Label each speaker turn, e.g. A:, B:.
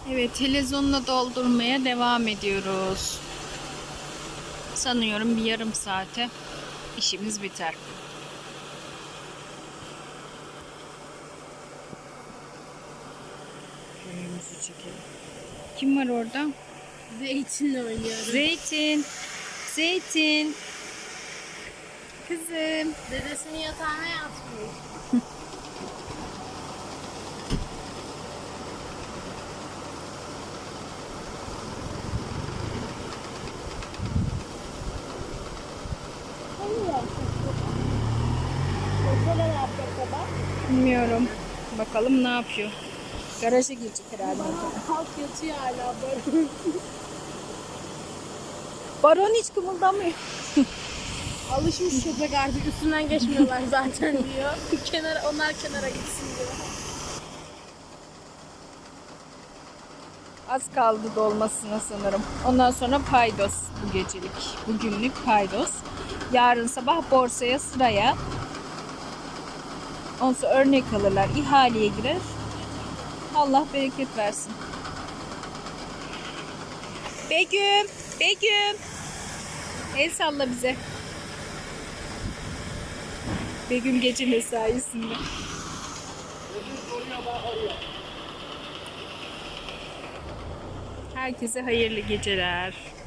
A: Evet, televizyonla doldurmaya devam ediyoruz. Sanıyorum bir yarım saate işimiz biter. Önümüzü çekelim. Kim var orada?
B: Zeytinle oynuyorum.
A: Zeytin. Zeytin. Kızım.
B: Dedesinin yatağına yatmış. Mesela ne yapacak baba?
A: Bilmiyorum. Bakalım ne yapıyor. Garaja girecek herhalde.
B: Halk yatıyor hala böyle.
A: Baron hiç kımıldamıyor.
B: Alışmış köpek artık üstünden geçmiyorlar zaten diyor. Onlar kenara gitsin diyor.
A: Az kaldı dolmasına sanırım. Ondan sonra paydos bu gecelik. Bugünlük paydos. Yarın sabah borsaya sıraya. Ondan sonra örnek alırlar. İhaleye girer. Allah bereket versin. Begüm. Begüm. El salla bize. Begüm gece mesaisinde. Herkese hayırlı geceler.